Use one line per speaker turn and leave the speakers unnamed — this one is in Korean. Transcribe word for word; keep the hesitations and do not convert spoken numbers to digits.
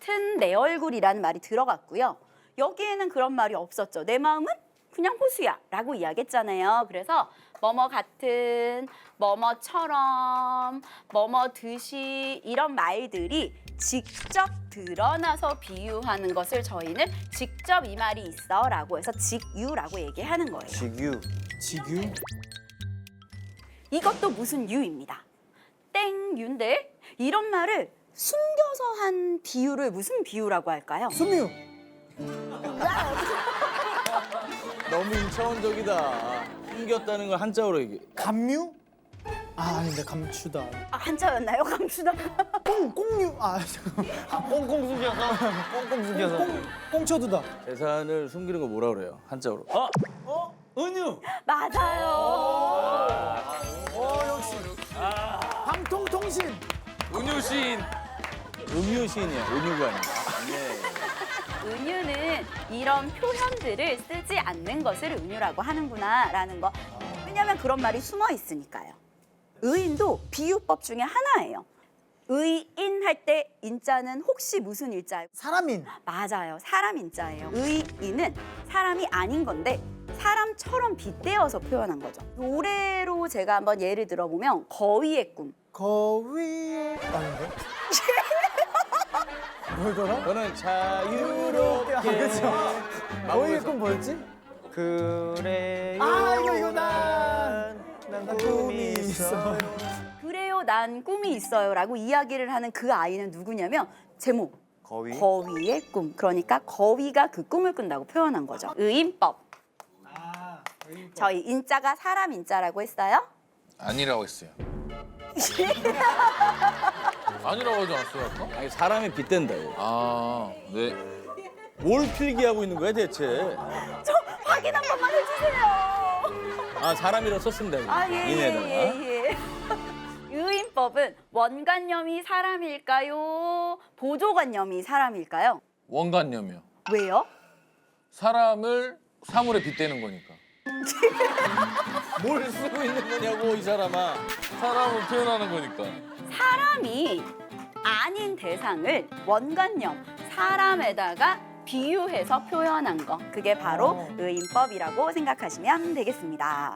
같은 내 얼굴이라는 말이 들어갔고요. 여기에는 그런 말이 없었죠. 내 마음은 그냥 호수야 라고 이야기했잖아요. 그래서 뭐뭐 같은, 뭐뭐처럼, 뭐뭐 듯이 이런 말들이 직접 드러나서 비유하는 것을 저희는 직접 이 말이 있어 라고 해서 직유라고 얘기하는 거예요.
직유.
지규?
이것도 무슨 유입니다. 땡유인데 이런 말을 숨겨서 한 비유를 무슨 비유라고 할까요?
수미유.
너무 일차원적이다. 숨겼다는 걸 한자어로 얘기.
감유? 아 아닌데 감추다.
아, 한자였나요? 감추다.
꽁 꽁유. 아 잠깐.
꽁꽁 숨겨서. 꽁꽁 숨겨서.
꽁 꽁쳐두다.
재산을 숨기는 거 뭐라 그래요? 한자어로. 어? 어? 은유.
맞아요.
어 역시. 방통통신.
은유시인. 음유시인이야. 은유가 아니라. 네.
은유는 이런 표현들을 쓰지 않는 것을 은유라고 하는구나라는 거. 왜냐하면 그런 말이 숨어 있으니까요. 의인도 비유법 중에 하나예요. 의인 할 때 인자는 혹시 무슨 일자예요?
사람인.
맞아요. 사람 인자예요. 의인은 사람이 아닌 건데 사람처럼 빗대어서 표현한 거죠. 노래로 제가 한번 예를 들어보면 거위의 꿈.
거위. 아닌데? 뭐더라?
저는 자유롭게.
아 그렇죠. 거위의 꿈 뭐였지?
그래요.
아 이거 이거 난. 난 꿈이 있어.
그래요, 난 꿈이 있어요 라고 이야기를 하는 그 아이는 누구냐면 제목
거위.
거위의 꿈. 그러니까 거위가 그 꿈을 꾼다고 표현한 거죠. 의인법. 저희 인자가 사람 인자라고 했어요.
아니라고 했어요. 아니라고 하지 않았어요, 아까?
아니 사람이 빗댄다고.
아, 네.
뭘 필기하고 있는 거야 대체?
저 확인 한 번만 해주세요.
아 사람이라 썼습니다.
아, 예, 예,
이내에다가.
예, 예. 의인법은 원관념이 사람일까요? 보조관념이 사람일까요?
원관념이요.
왜요?
사람을 사물에 빗대는 거니까.
뭘 쓰고 있는 거냐고 이 사람아.
사람을 표현하는 거니까.
사람이 아닌 대상을 원관념, 사람에다가 비유해서 표현한 거. 그게 바로 의인법이라고 생각하시면 되겠습니다.